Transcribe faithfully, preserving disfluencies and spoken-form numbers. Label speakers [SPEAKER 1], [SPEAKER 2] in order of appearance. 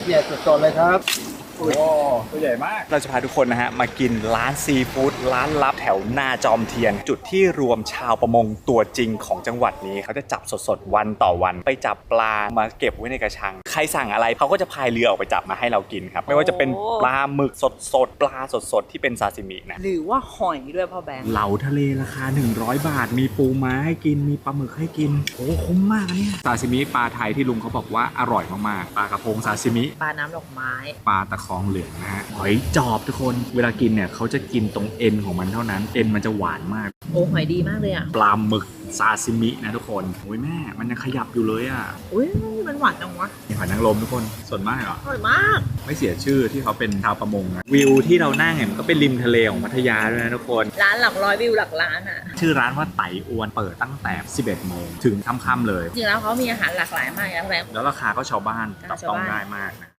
[SPEAKER 1] เนี่ยสดๆเลยครับโอ้ตัวใหญ่มาก
[SPEAKER 2] เราจะพาทุกคนนะฮะมากินร้านซีฟู้ดร้านลับแถวหน้าจอมเทียน จุดที่รวมชาวประมงตัวจริงของจังหวัดนี้เขาจะจับสดๆวันต่อวันไปจับปลามาเก็บไว้ในกระชังใครสั่งอะไรเขาก็จะพายเรือออกไปจับมาให้เรากินครับไม่ว่าจะเป็นปลาหมึกสดๆปลาสดๆที่เป็นซาซิมินะ
[SPEAKER 3] หรือว่าหอยด้วยพ่อแบงค์
[SPEAKER 2] เหลาทะเลราคาหนึ่งร้อยบาทมีปูม้าให้กินมีปลาหมึกให้กินโอ้คุ้มมากเนี่ยซาซิมิปลาไทยที่ลุงเขาบอกว่าอร่อยมากๆปลากระพงซาซิมิ
[SPEAKER 3] ปลาน้ำดอกไม้
[SPEAKER 2] ปลาตะคองเหลืองนะฮะหอยจอบทุกคนเวลากินเนี่ยเขาจะกินตรงเอ็นของมันเท่านั้นเอ็นมันจะหวานมาก
[SPEAKER 3] โอ้หอยดีมากเลยอ่ะ
[SPEAKER 2] ปลาหมึกซาซิมินะทุกคนโอ้ยแม่มันยังขยับอยู่เลยอ่ะ
[SPEAKER 3] อุ้ยมันหวานจังวะ
[SPEAKER 2] มีหอยนางรมทุกคนสดมากเหรอ
[SPEAKER 3] อร่อยมาก
[SPEAKER 2] ไม่เสียชื่อที่เขาเป็นชาวประมงนะวิวที่เรานั่งเนี่ยมันก็เป็นริมทะเลของพัทยาด้วยนะทุกคน
[SPEAKER 3] ร้านหลักร้อยวิวหลักล้านอ่ะ
[SPEAKER 2] ชื่อร้านว่าไตอวนเปิดตั้งแต่สิบเอ็ดโมงถึงค่ำๆเลย
[SPEAKER 3] จริงแล้วเขามีอาหารหลากหลายมากนะพ่อแบงค์
[SPEAKER 2] แล้วราคาก็ชาวบ้านจับต้อง
[SPEAKER 3] ชาวบ้าน
[SPEAKER 2] ได้มากนะ